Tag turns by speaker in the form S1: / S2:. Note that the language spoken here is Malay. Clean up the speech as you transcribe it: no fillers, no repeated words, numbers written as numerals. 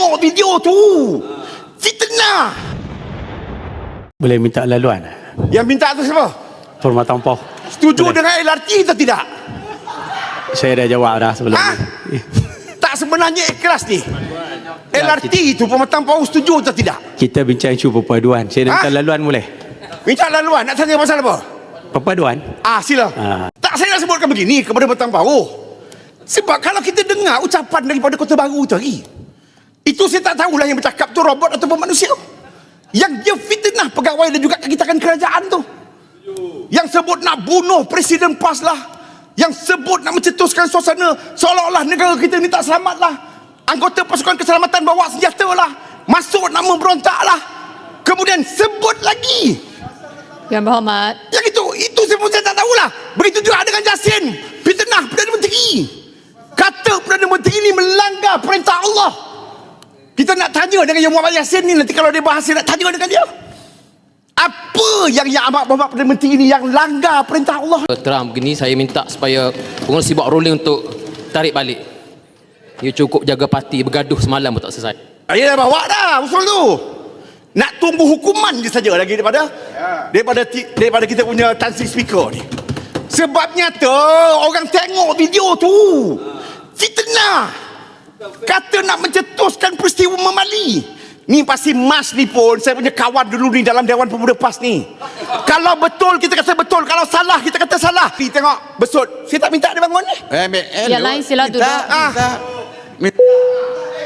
S1: tengok video tu. Fitnah.
S2: Boleh minta laluan?
S1: Yang minta tu siapa?
S2: Permatang Poh.
S1: Setuju dengan LRT atau tidak?
S2: Saya dah jawab dah sebelum
S1: Ha?
S2: ni.
S1: Tak sebenarnya ikhlas ni. LRT itu Pematang Poh setuju atau tidak?
S2: Kita bincang isu perpaduan. Saya nak minta laluan boleh?
S1: Minta laluan, nak tanya pasal apa?
S2: Perpaduan?
S1: Sila. Tak, saya nak sebutkan begini kepada Pematang Poh. Sebab kalau kita dengar ucapan daripada Kota Baru tadi, itu saya tak tahulah yang bercakap tu robot ataupun manusia. Yang dia fitnah pegawai dan juga kekitakan kerajaan tu. Yang sebut nak bunuh Presiden PAS lah. Yang sebut nak mencetuskan suasana seolah-olah negara kita ni tak selamat lah. Anggota pasukan keselamatan bawa senjata lah. Masuk nak memberontak lah. Kemudian sebut lagi.
S3: Yang Berhormat.
S1: Yang itu saya tak tahulah. Begitu juga dengan Jasin. Fitnah Perdana Menteri. Kata Perdana Menteri ini melanggar perintah Allah. Kita nak tanya dengan Yang Muhammad Yassin ni, nanti kalau dia bahas, nak tanya dengan dia. Apa yang Amat Berhormat Perdana Menteri ini yang langgar perintah Allah?
S4: Terang begini, saya minta supaya pengurusi buat ruling untuk tarik balik. You cukup jaga parti, bergaduh semalam pun tak selesai.
S1: Dia dah bawa dah usul tu. Nak tunggu hukuman je saja lagi daripada kita punya Tan Sri Speaker ni. Sebabnya tu orang tengok video tu. Fitnah. Kata nak mencetuskan peristiwa Memali. Ni pasti Mas ni pun, saya punya kawan dulu ni dalam Dewan Pemuda PAS ni. Kalau betul kita kata betul, kalau salah kita kata salah. Tengok besut. Saya tak minta dia bangun ni.
S3: Yang lain sila duduk.
S5: Minta.